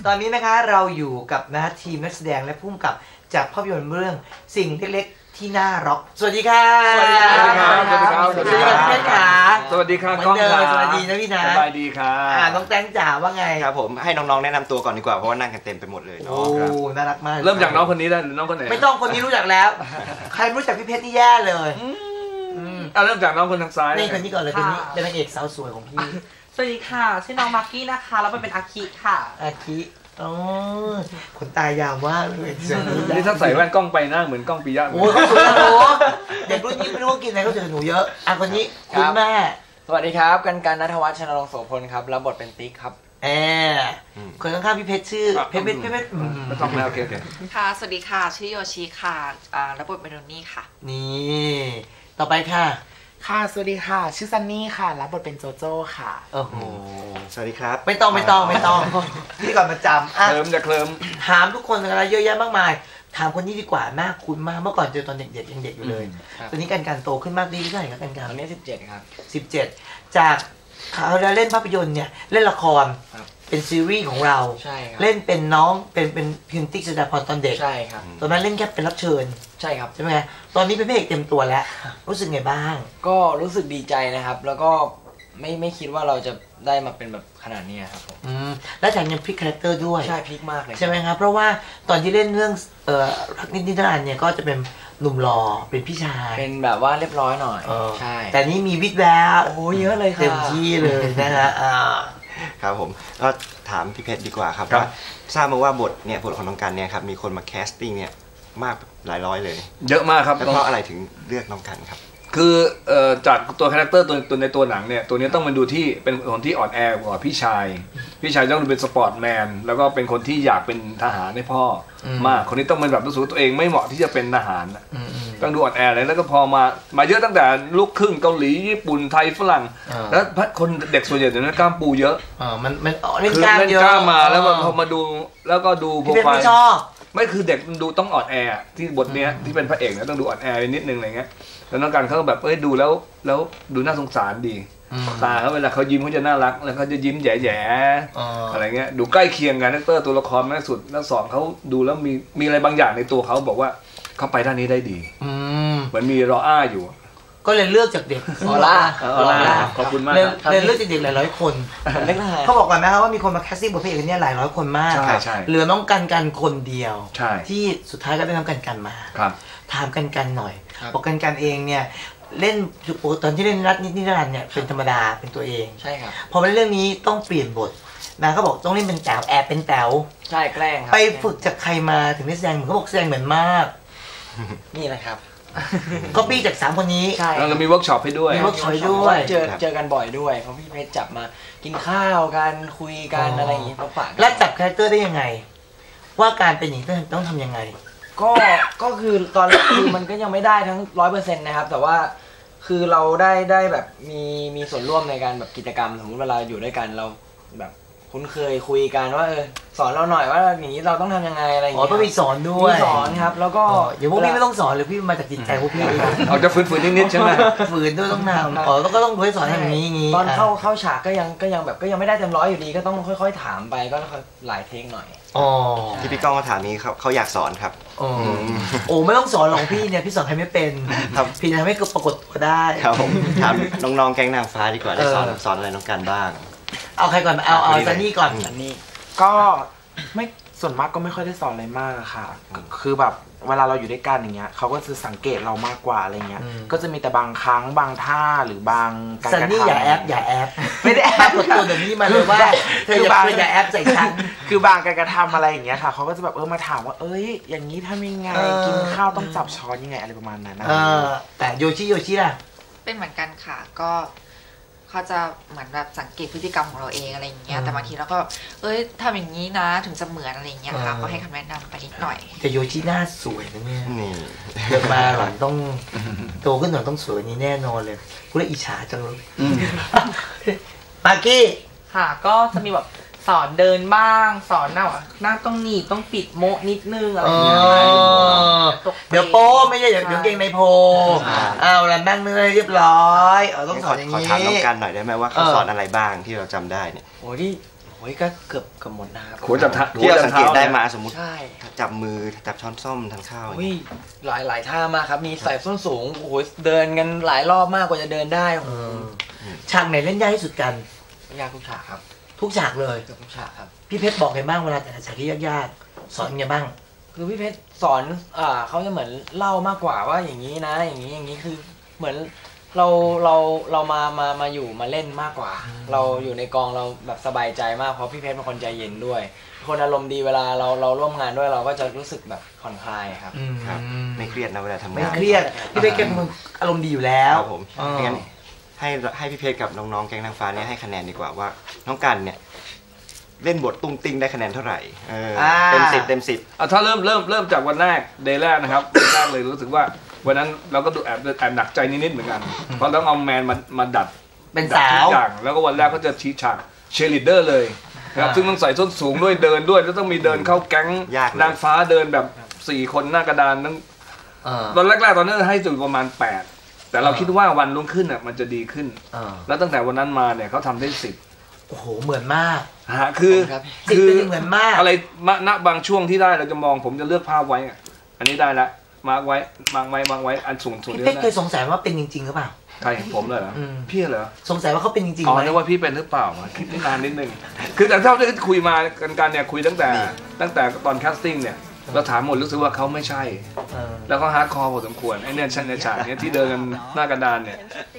ตอนนี้นะคะเราอยู่กับทีมนักแสดงและผู้กำกับจากภาพยนตร์เรื่องสิ่งเล็กๆที่น่ารักสวัสดีค่ะสวัสดีครับสวัสดีครับพี่ขาสวัสดีครับก้องค่ะสวัสดีนะพี่นะสบายดีครับน้องแตงจ๋าว่าไงครับผมให้น้องๆแนะนำตัวก่อนดีกว่าเพราะว่านั่งกันเต็มไปหมดเลยเนาะโอ้น่ารักมากเริ่มจากน้องคนนี้ได้หรือน้องคนไหนไม่ต้องคนนี้รู้จักแล้วใครรู้จักพี่เพชรนี่แย่เลยเริ่มจากน้องคนทางซ้ายนี่คนนี้ก่อนเลยคนนี้เป็นนางเอกสาวสวยของพี่สวัสดีค่ะชื่อน้องมากกี้นะคะแล้วเป็นอาคิค่ะอาคิอ๋อขนตายาวมากเลยนี่ถ้าใส่แว่นกล้องไปหน้าเหมือนกล้องปิยะโอ้ยเขาสวยนะหนูเด็กรุ่นนี้ไม่รู้ว่ากินอะไรเขาเจอหนูเยอะคนนี้คุณแม่สวัสดีครับกันณัฐวัฒน์ ชนรงค์โสพลครับรับบทเป็นติ๊กครับคนข้างๆพี่เพชรชื่อเพชรไม่ต้องแล้วโอเคค่ะสวัสดีค่ะชื่อโยชิค่ะรับบทเป็นโดนี่ค่ะนี่ต่อไปค่ะค่ะสวัสดีค่ะชื่อซันนี่ค่ะรับบทเป็นโจโจ้ค่ะโอ้โหสวัสดีครับไม่ต้องพี่ก่อนมาจำเคลิ้มจะเคลิ้มถามทุกคนอะไรเยอะแยะมากมายถามคนนี้ดีกว่าหน้าคุ้นมากเมื่อก่อนเจอตอนเด็กๆยังเด็กอยู่เลยตอนนี้การโตขึ้นมากดีเท่าไหร่ครับการตอนนี้17ครับ 17จากเขาเล่นภาพยนตร์เนี่ยเล่นละครเป็นซีรีส์ของเราใช่ครับเล่นเป็นน้องเป็นพิมพ์ติ๊กสุดาพรตอนเด็กใช่ครับตอนนั้นเล่นแค่เป็นรับเชิญใช่ครับใช่ไหมตอนนี้เป็นพระเอกเต็มตัวแล้วรู้สึกไงบ้างก็รู้สึกดีใจนะครับแล้วก็ไม่คิดว่าเราจะได้มาเป็นแบบขนาดนี้ครับผมและแถมยังพลิกคาแรคเตอร์ด้วยใช่พลิกมากเลยใช่ไหมครับเพราะว่าตอนที่เล่นเรื่องรักนิดนิรันดร์เนี่ยก็จะเป็นหนุ่มหล่อเป็นพี่ชายเป็นแบบว่าเรียบร้อยหน่อยใช่แต่นี่มีวิดแววโอ้เยอะเลยค่ะเต็มที่เลยนะฮะครับผมก็ถามพี่เพชรดีกว่าครับว่าทราบมาว่าบทของน้องกันเนี่ยครับมีคนมาแคสติ้งเนี่ยมากหลายร้อยเลยเยอะมากครับแล้วเพราะอะไรถึงเลือกน้องกันครับคือจากตัวคาแรคเตอร์ตัวในตัวหนังเนี่ยตัวนี้ต้องมาดูที่เป็นคนที่อ่อนแอกว่าพี่ชายต้องเป็นสปอร์ตแมนแล้วก็เป็นคนที่อยากเป็นทหารให้พ่อมากคนนี้ต้องเป็นแบบรู้สึกตัวเองไม่เหมาะที่จะเป็นทหารต้องดูอ่อนแอเลยแล้วก็พอมาเยอะตั้งแต่ลูกครึ่งเกาหลีญี่ปุ่นไทยฝรั่งแล้วคนเด็กส่วนใหญ่เดี๋ยวนี้กล้ามปูเยอะมันเล่นกล้ามมาแล้วพอมาดูแล้วก็ดูโปรไฟล์ไม่คือเด็กดูต้องอ่อนแอที่บทเนี้ยที่เป็นพระเอกเนี่ยต้องดูอ่อนแอนิดนึงอะไรเงี้ยแล้วน้องกันเขาแบบดูแล้วดูน่าสงสารดีตาเขาเวลาเขายิ้มเขาจะน่ารักแล้วเขาจะยิ้มแย่ๆอะไรเงี้ยดูใกล้เคียงกันนักเตอร์ตัวละครมากสุดแล้วสอนเขาดูแล้วมีอะไรบางอย่างในตัวเขาบอกว่าเขาไปด้านนี้ได้ดีเหมือนมีรออ้าอยู่ก็เลยเลือกจากเด็กออร่าขอบคุณมากเลยเลือกจากเด็กหลายๆคนเขาบอกกันไหมครับว่ามีคนมาแคสติ้งบทเพลงเนี่ยหลายร้อยคนมากเหลือน้องกันคนเดียวที่สุดท้ายก็ได้น้องกันมาถามกันหน่อยบอกกันเองเนี่ยเล่นตอนที่เล่นรัฐนิรันดร์เนี่ยเป็นธรรมดาเป็นตัวเองใช่ครับพอเป็นเรื่องนี้ต้องเปลี่ยนบทนะเขาบอกต้องเล่นเป็นแต๋วแอบเป็นแต๋วใช่แกล้งครับไปฝึกจากใครมาถึงได้แสดงเหมือนเขาบอกแสดงเหมือนมากนี่แหละครับก็ปี้จาก3คนนี้ใช่แล้วมีเวิร์กช็อปให้ด้วยมีเวิร์กช็อปด้วยเจอกันบ่อยด้วยเพราะพี่เพชรจับมากินข้าวกันคุยกันอะไรอย่างนี้เขาฝากแล้วจับคาแรคเตอร์ได้ยังไงว่าการเป็นอย่างนี้ต้องทำยังไงก็คือตอนคือมันก็ยังไม่ได้ทั้ง 100% นะครับแต่ว่าคือเราได้แบบมีส่วนร่วมในการแบบกิจกรรมสมมติเวลาอยู่ด้วยกันเราแบบคุ้นเคยคุยกันว่าสอนเราหน่อยว่าอย่างนี้เราต้องทำยังไงอะไรอย่างเงี้ยต้องมีสอนด้วยมีสอนครับแล้วก็อย่างพวกพี่ไม่ต้องสอนเลยพี่มาจากจิตใจพวกพี่เอาจะฝืนนิดๆใช่ไหมฝืนด้วยต้องนำแล้วก็ต้องด้วยสอนอย่างนี้ตอนเข้าฉากก็ยังแบบก็ยังไม่ได้เต็มร้อยอยู่ดีก็ต้องค่อยๆถามไปก็หลายเทคหน่อยที่พี่ก้องมาถามนี้เขาอยากสอนครับโอ้ไม่ต้องสอนหรอกพี่เนี่ยพี่สอนใครไม่เป็นพี่ทำให้ปรากฏตัวได้ครับผมถามน้องๆแก๊งนางฟ้าดีกว่าได้สอนอะไรน้องกันบ้างเอาใครก่อนเอาซันนี่ก่อนซันนี่ก็ไม่ส่วนมากก็ไม่ค่อยได้สอนอะไรมากค่ะคือแบบเวลาเราอยู่ด้วยกันอย่างเงี้ยเขาก็จะสังเกตเรามากกว่าอะไรเงี้ยก็จะมีแต่บางครั้งบางท่าหรือบางการกระทำซันนี่อย่าแอบไม่ได้แอบกดตัวเดี๋ยวนี้มาเลยว่าเธออย่าแอบใส่ฉันคือบางการกระทำอะไรอย่างเงี้ยค่ะเขาก็จะแบบมาถามว่าอย่างนี้ทำยังไงกินข้าวต้องจับช้อนยังไงอะไรประมาณนั้นนะแต่โยชิล่ะเป็นเหมือนกันค่ะก็เขาจะเหมือนแบบสังเกตพฤติกรรมของเราเองอะไรอย่างเงี้ยแต่บางทีเราก็ทำอย่างนี้นะถึงจะเหมือนอะไรอย่างเงี้ยค่ะก็ให้คำแนะนำไปนิดหน่อยแต่โยชิหน้าสวยนะเนี่ยเกิดมาหลังต้องโตขึ้นหน่อยต้องสวยนี้แน่นอนเลยกูเลยอิจฉาจังเลยปากี้ค่ะก็จะมีแบบสอนเดินบ้างสอนหน้าต้องหนีบต้องปิดโมนิดนึงอะไรอย่างเงี้ยเดี๋ยวโป้ไม่ใช่เดี๋ยวเก่งในโพเอาแล้วนั่งเนื้อเรียบร้อยต้องสอนอย่างนี้ขอถามน้องกันหน่อยได้ไหมว่าเขาสอนอะไรบ้างที่เราจำได้เนี่ยโอ้ที่อ้ยก็เกือบหมดนะครับหัวจับที่เราสังเกตได้มาสมมติใช่จับมือจับช้อนส้อมทานข้าวหลายท่ามากครับมีใส่ส้นสูงโอ้โหเดินกันหลายรอบมากกว่าจะเดินได้ฉากไหนเล่นยากที่สุดกันยากทุกฉากครับทุกฉากเลยทุกฉากครับพี่เพชรบอกไงบ้างเวลาแต่ฉากที่ยากๆสอนไงบ้างคือพี่เพชรสอนเขาจะเหมือนเล่ามากกว่าว่าอย่างนี้นะอย่างนี้คือเหมือนเรามาอยู่มาเล่นมากกว่าเราอยู่ในกองเราแบบสบายใจมากเพราะพี่เพชรเป็นคนใจเย็นด้วยคนอารมณ์ดีเวลาเราร่วมงานด้วยเราก็จะรู้สึกแบบผ่อนคลายครับไม่เครียดนะเวลาทำงานไม่เครียดพี่เพชรเป็นคนอารมณ์ดีอยู่แล้วผมงั้นให้พี่เพชรกับน้องๆแก๊งนางฟ้าเนี่ยให้คะแนนดีกว่าว่าน้องกันเนี่ยเล่นบทตุ้งติ้งได้คะแนนเท่าไหร่เต็ม10 ถ้าเริ่มจากวันแรกเดย์แรกนะครับแรกเลยรู้สึกว่าวันนั้นเราก็ดูแอบหนักใจนิดๆเหมือนกันเพราะต้องเอาแมนมาดัดเป็นสาวอย่างแล้วก็วันแรกก็จะชี้ฉากเชียร์ลีดเดอร์เลยนะครับซึ่งต้องใส่ส้นสูงด้วยเดินด้วยแล้วต้องมีเดินเข้าแก๊งนางฟ้าเดินแบบ4คนหน้ากระดานนั้นตอนแรกๆตอนนั้นให้จุดประมาณ8แต่เราคิดว่าวันรุ่งขึ้นมันจะดีขึ้นแล้วตั้งแต่วันนั้นมาเนี่ยเขาทำได้10 โอ้โหเหมือนมากคือเหมือนมากอะไรณบางช่วงที่ได้เราจะมองผมจะเลือกภาพไว้อันนี้ได้ละมาร์กไว้อันสูงพี่เป๊กเคยสงสัยว่าเป็นจริงๆหรือเปล่าใครผมเลยเหรอพี่เหรอสงสัยว่าเขาเป็นจริงๆไหมนึกว่าพี่เป็นหรือเปล่าคิดนานนิดนึงคือแต่เท่าที่คุยมากันเนี่ยคุยตั้งแต่ตอนแคสติ้งเนี่ยเราถามหมดรู้สึกว่าเขาไม่ใช่แล้วก็ฮาร์ดคอร์พอสมควรไอ้เนี่ยในฉากนี้ที่เดินกันหน้ากระดานเนี่ย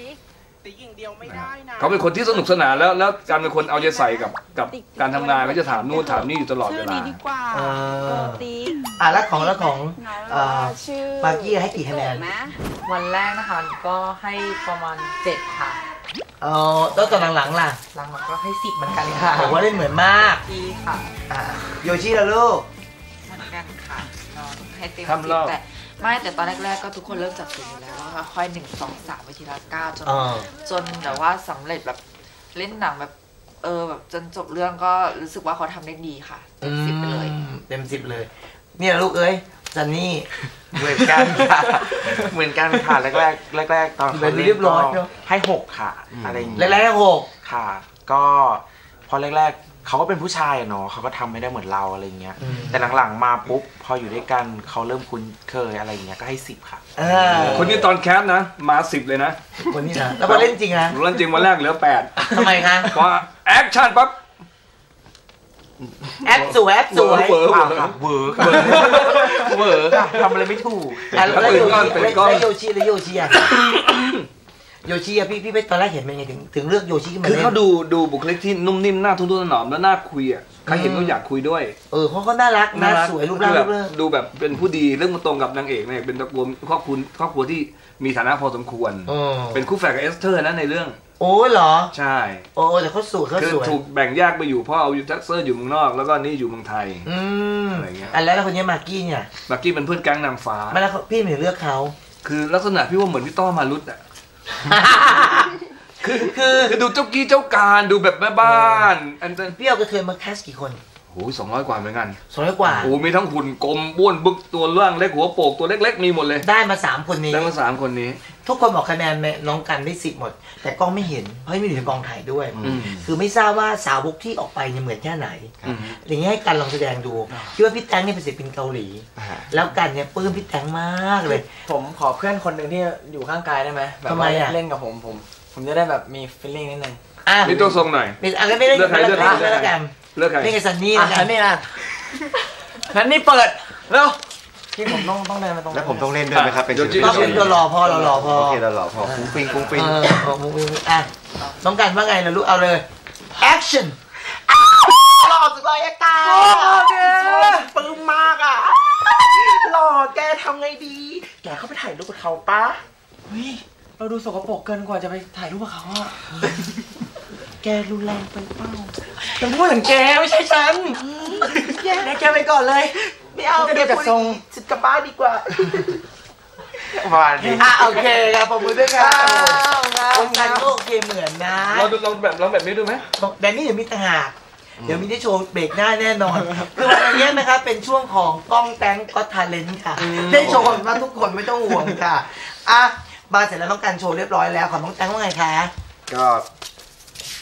เขาเป็นคนที่สนุกสนานแล้วการเป็นคนเอาใจใส่กับการทำงานก็จะถามนู่นถามนี่อยู่ตลอดเวลาแล้วของปากี้ให้กี่คะแนนวันแรกนะคะก็ให้ประมาณ7ค่ะแล้วตอนหลังๆล่ะหลังๆก็ให้10เหมือนกันค่ะผมว่าเล่นเหมือนมากดีค่ะโยชิล่ะลูกเหมือนกันค่ะให้เต็ม10แต่ตอนแรกๆก็ทุกคนเริ่มจับจุดอยู่แล้วว่าค่อย1 2 3ไปทีละ9จนแต่ว่าสำเร็จแบบเล่นหนังแบบแบบจนจบเรื่องก็รู้สึกว่าเขาทำได้ดีค่ะเต็ม10ไปเลยเต็ม10เลยเนี่ยลูกเอ้ยจันนี่เหมือนกันค่ะแรกตอนเขาเรียบร้อยให้6ค่ะอะไรอย่างเงี้ยแรก6 ค่ะก็พอแรกเขาก็เป็นผู้ชายเนาะเขาก็ทำไม่ได้เหมือนเราอะไรเงี้ยแต่หลังๆมาปุ๊บพออยู่ด้วยกันเขาเริ่มคุ้นเคยอะไรเงี้ยก็ให้10ค่ะคนนี้ตอนแคสนะมา10เลยนะคนนี้นะแล้วพอเล่นจริงนะเล่นจริงวันแรกเหลือ8 ทำไมคะเพราะแอคชั่นปั๊บแอคสวยเวอร์ค่ะทำอะไรไม่ถูกแล้วโยชิอ่ะโยชิอะพี่ไปตอนแรกเห็นเป็นไงถึงเลือกโยชิขึ้นมาคือเขาดูบุคลิกที่นุ่มนิ่มหน้าทุ่มๆหนอมแล้วน่าคุยอ่ะใครเห็นก็อยากคุยด้วยเพราะเขาน่ารักน่าสวยรูปร่างดูแบบเป็นผู้ดีเรื่องมันตรงกับนางเอกเนี่ยเป็นตระกูลครอบครัวที่มีฐานะพอสมควรเป็นคู่แฝดกับเอสเธอร์นะในเรื่องเหรอใช่แต่เขาสวยคือถูกแบ่งแยกไปอยู่พ่อเอาอยู่เท็กซัสอยู่เมืองนอกแล้วก็นี่อยู่เมืองไทยอะไรเงี้ยแล้วคนนี้มากกี้เนี่ยมากกี้เป็นเพื่อนแก๊งนางฟ้าไม่แล้วพี่ไม่เลือกเขาคือลักษณะพี่ว่าเหมือนพี่ต้อมารุตอ่ะคือดูเจ้ากี้เจ้าการดูแบบแม่บ้านพี่เอากระเทยมาแคสกี่คนโอ้ย200 กว่าเหมือนกัน 200 กว่าโอ้มีทั้งหุ่นกลมบ้วนบึกตัวล่างเล็กหัวโปกตัวเล็กๆมีหมดเลยได้มา3 คนนี้ทุกคนบอกคะแนนน้องกันได้10หมดแต่กล้องไม่เห็นเพราะไม่อยู่ในกองถ่ายด้วยคือไม่ทราบว่าสาวกที่ออกไปเนี่ยเหมือนแค่ไหนอย่างนี้ให้กันลองแสดงดูคิดว่าพี่แตงเนี่ยเป็นศิลปินเกาหลีแล้วกันเนี่ยปลื้มพี่แตงมากเลยผมขอเพื่อนคนหนึ่งที่อยู่ข้างกายได้ไหมแบบว่าเล่นกับผมจะได้แบบมีฟีลลิ่งนิดนึงมีตัวทรงหน่อยไม่ได้เลือกใครนี่ไงซันนี่นี่นะซันนี่เปิดแล้วที่ผมต้องเดินมาตรงแล้วผมต้องเล่นด้วยไหมครับเป็นตัวรอพอเรารอพอโอเคเรารอพอฟุ้งฟิ้งน้องกันว่าไงล่ะลูกเอาเลยแอคชั่นหล่อสุดเลยตาปลื้มมากอ่ะหล่อแกทำไงดีแกเข้าไปถ่ายรูปกับเขาปะเฮ้ยเราดูสกปรกเกินกว่าจะไปถ่ายรูปกับเขาอ่ะแกรุนแรงไปเปล่าฉันพูดถึงแกไม่ใช่ฉันแกไปก่อนเลยไม่เอาแกพูดฉันกลับบ้านดีกว่าโอเคครับผมด้วยครับคนงานก็โอเคเหมือนนะเราแบบนี้ดูไหมแบบนี้เดี๋ยวมีต่างหากเดี๋ยวมีได้โชว์เบรกหน้าแน่นอนคือวันนี้นะครับเป็นช่วงของกล้องแตงก็ทาเลนต์ค่ะได้โชว์มาทุกคนไม่ต้องห่วงค่ะมาเสร็จแล้วต้องการโชว์เรียบร้อยแล้วของน้องแตงว่าไงคะก็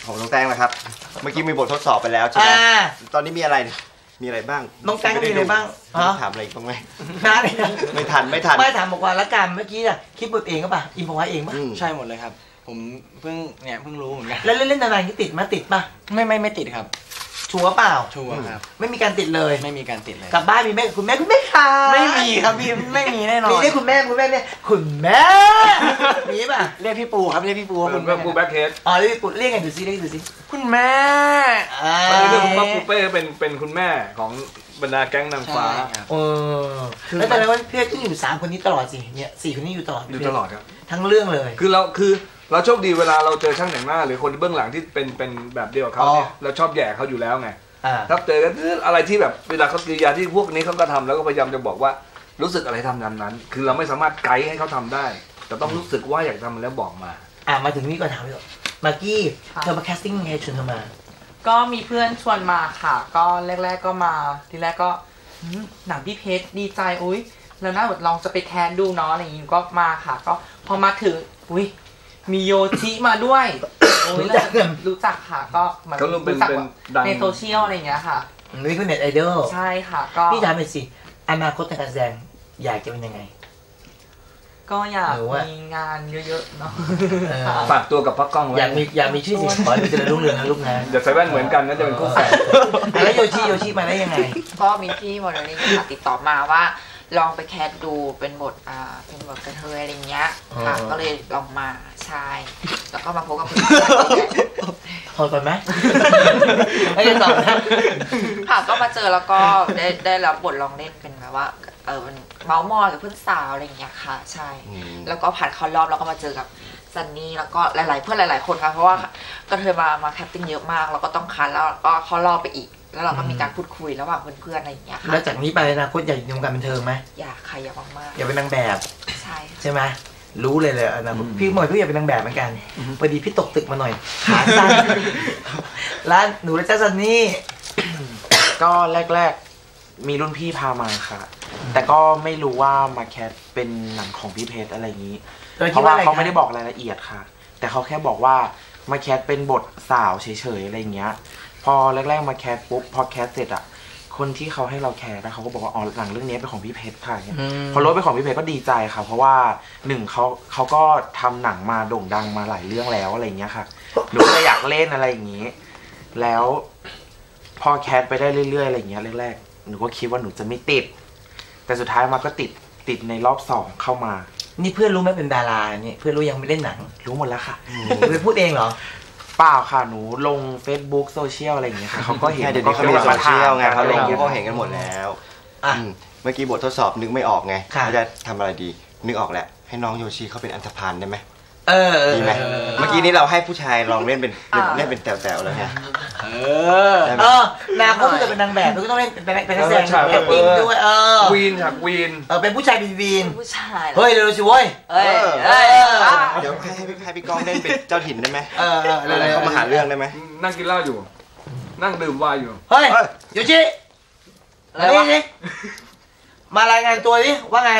ของน้องแตงนะครับเมื่อกี้มีบททดสอบไปแล้วใช่ไหมตอนนี้มีอะไรบ้างน้องแตงมีอะไรบ้างถามอะไรบ้างไหมไม่ทันไม่ถามบอกว่าละกันเมื่อกี้น่ะคิดบทเองก็ป่ะอินพอไว้เองป่ะใช่หมดเลยครับผมเพิ่งรู้เหมือนกันแล้วเล่นนานๆนี่ติดป่ะไม่ติดครับชัวร์เปล่าชัวร์ครับไม่มีการติดเลยไม่มีการติดเลยกลับบ้านมีแม่คุณแม่ค่ะไม่มีครับพี่ไม่มีแน่นอนมีเรียกคุณแม่เนี่ยคุณแม่มีป่ะเรียกพี่ปูครับเรียกพี่ปูคุณปูแบ็คเฮดเรียกพี่ปูเรียกไงดูซิคุณแม่เรื่องของปูเป้เป็นคุณแม่ของบรรดาแก๊งนางฟ้าแล้วแต่ละว่าพี่ก็อยู่3คนนี้ตลอดสิเนี่ย4คนนี้อยู่ตลอดครับทั้งเรื่องเลยคือเราโชคดีเวลาเราเจอช่างแต่งหน้าหรือคนเบื้องหลังที่เป็นแบบเดียวกับเขาเนี่ยเราชอบแย่เขาอยู่แล้วไงถ้าเจอกันอะไรที่แบบเวลาเขากิริยาที่พวกนี้เขาก็ทำแล้วก็พยายามจะบอกว่ารู้สึกอะไรทำนั้นคือเราไม่สามารถไกด์ให้เขาทำได้แต่ต้องรู้สึกว่าอยากทำแล้วบอกมามาถึงนี่ก่อนถามเลยมากกี้เธอมาแคสติ้งยังไงชวนเธอมาก็มีเพื่อนชวนมาค่ะก็แรกๆก็มาทีแรกก็หนังพี่เพชรดีใจอุ้ยแล้วน่าลองจะไปแคสดูเนาะอะไรอย่างงี้ก็มาค่ะก็พอมาถึงอุ้ยมีโยชิมาด้วยรู้จักค่ะก็มันรู้จักในโซเชียลอะไรอย่างเงี้ยค่ะนี่คือเน็ตไอดอลใช่ค่ะก็พี่ถามหน่อยสิอนาคตการแสดงอยากจะเป็นยังไงก็อยากมีงานเยอะๆเนาะฝากตัวกับพักกล้องไว้อยากมีชื่อเสียงขอให้เจริญรุ่งเรืองนะลูกนะเดี๋ยวใส่แว่นเหมือนกันนะจะเป็นคู่แฝดแล้วโยชิมาได้ยังไงก็มีพี่โมเดลลิ่งติดต่อมาว่าลองไปแคสดูเป็นบทกระเทยอะไรเงี้ยค่ะก็เลยลองมาใช่แล้วก็มาพบกับคุณพอก่อนไหมไม่ได้ตอบนะค่ะก็มาเจอแล้วก็ได้รับบทลองเล่นเป็นแบบว่าเป็นเมาส์มอยกับเพื่อนสาวอะไรอย่างเงี้ยค่ะใช่แล้วก็ผ่านเข้ารอบแล้วก็มาเจอกับซันนี่แล้วก็หลายๆเพื่อนหลายๆคนค่ะเพราะว่าก็เธอมาแคสติ้งเยอะมากแล้วก็ต้องคัดแล้วก็เข้ารอบไปอีกแล้วเราก็มีการพูดคุยระหว่างเพื่อนๆอะไรอย่างเงี้ยค่ะแล้วจากนี้ไปนะคุณอยากอยู่ในวงการบันเทิงไหมอยากค่ะอยากมากอยากเป็นนางแบบใช่ไหมรู้เลยนะพี่หมวยพี่อยากเป็นนางแบบเหมือนกันพอดีพี่ตกตึกมาหน่อยขาสั้นร้านหนูและเจ้าซันนี่ก็แรกๆมีรุ่นพี่พามาค่ะแต่ก็ไม่รู้ว่ามาแคสเป็นหนังของพี่เพชรอะไรอย่างนี้เพราะว่าเขาไม่ได้บอกรายละเอียดค่ะแต่เขาแค่บอกว่ามาแคสเป็นบทสาวเฉยๆอะไรอย่างเงี้ยพอแรกๆมาแคสปุ๊บพอแคสเสร็จอ่ะคนที่เขาให้เราแคสเขาก็บอกว่าอ๋อหนังเรื่องนี้เป็นของพี่เพชรค่ะพอรู้เป็นของพี่เพชรก็ดีใจค่ะเพราะว่า1เขาก็ทำหนังมาโด่งดังมาหลายเรื่องแล้วอะไรอย่างเงี้ยค่ะหนูก็อยากเล่นอะไรอย่างงี้แล้วพอแคสไปได้เรื่อยๆอะไรอย่างเงี้ยแรกๆหนูก็คิดว่าหนูจะไม่ติดแต่สุดท้ายมาก็ติดในรอบ2เข้ามานี่เพื่อนรู้ไหมเป็นดาราเนี่ยเพื่อนรู้ยังไม่เล่นหนังรู้หมดแล้วค่ะเพื่อนพูดเองเหรอเปล่าค่ะหนูลง Facebook โซเชียลอะไรอย่างเงี้ยค่ะเขาก็เห็นเดี๋ยวนี้เขามีโซเชียลไงเขาลงเขาเห็นกันหมดแล้วเมื่อกี้บททดสอบนึกไม่ออกไงเขาจะทำอะไรดีนึกออกแหละให้น้องโยชิเขาเป็นอันธพาลได้ไหมดีไหมเมื่อกี้นี้เราให้ผู้ชายลองเล่นเป็นแต๋วๆแล้วไงนางก็จะเป็นนางแบบก็ต้องเล่นเป็นนักแสดงแอคติ้งด้วยวีนค่ะวีนเป็นผู้ชายวีนผู้ชายเฮ้ยเร็วสิเว้ยเดี๋ยวให้พี่ก้องเล่นเป็นเจ้าถิ่นได้ไหมอะไรเขามาหาเรื่องได้ไหมนั่งกินเหล้าอยู่นั่งดื่มไวน์อยู่เฮ้ยโยชินี่มารายงานตัวดิว่าไง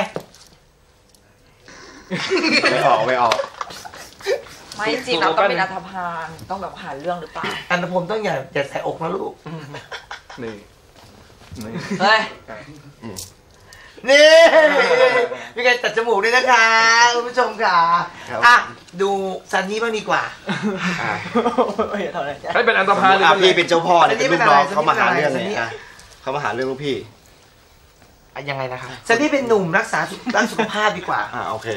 ไม่ออกไม่จริงเราต้องเป็นอัธพาลต้องแบบหาเรื่องหรือเปล่าอันนพมต้องอย่าใส่อกนะลูกนี่เฮ้ยนี่มีการตัดจมูกด้วยนะคะคุณผู้ชมค่ะดูซันนี่บ้างดีกว่าให้เป็นอันธพาลเลยพี่เป็นเจ้าพ่อเนี่ยเป็นลูกน้องเขามาหาเรื่องเนี่ยเขามาหาเรื่องลูกพี่ยังไงนะคะซันนี่เป็นหนุ่มรักษาด้านสุขภาพดีกว่าโอเค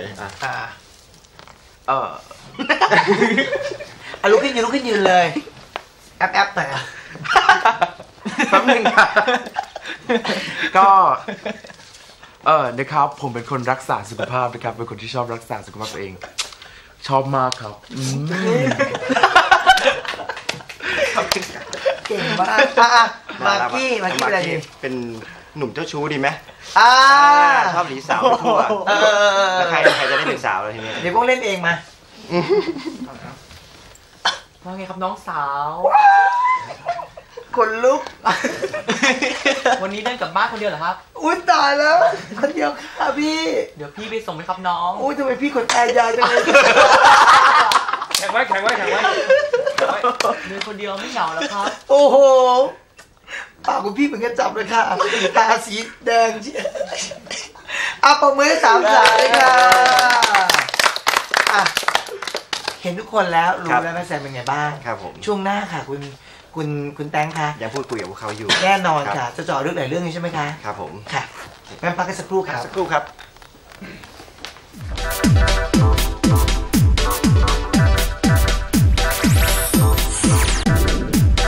ลุกขึ้นยืนเลยแอปหน่อยแป๊บนึงค่ะก็นะครับผมเป็นคนรักษาสุขภาพนะครับเป็นคนที่ชอบรักษาสุขภาพตัวเองชอบมากครับเก่งมากมากกี้อะไรดีเป็นหนุ่มเจ้าชู้ดีไหมชอบหนีสาวไปทั่วแล้วใครจะได้เป็นสาวเลยทีนี้เดี๋ยวพวกเล่นเองมาว่าไงครับน้องสาวคนลุกวันนี้เดินกลับบ้านคนเดียวเหรอครับอุ้ยตายแล้วคนเดียวค่ะพี่เดี๋ยวพี่ไปส่งไหมครับน้องอุ้ยทำไมพี่ขนแอร์ยาวจังเลยแข็งไว้มีคนเดียวไม่เหงาแล้วครับโอ้โหปากคุณพี่เหมือนกันจับเลยค่ะตาสีแดงเชียวปรบมือให้3 สายเลยค่ะเห็นทุกคนแล้วรู้แล้วแม่แซมเป็นไงบ้างครับผมช่วงหน้าค่ะคุณแตงค่ะยังพูดคุยกับพวกเขาอยู่แน่นอนค่ะจะเจาะเรื่องไหนเรื่องนี้ใช่ไหมคะครับผมค่ะงั้นพักกันสักครู่ครับสักครู่ครับ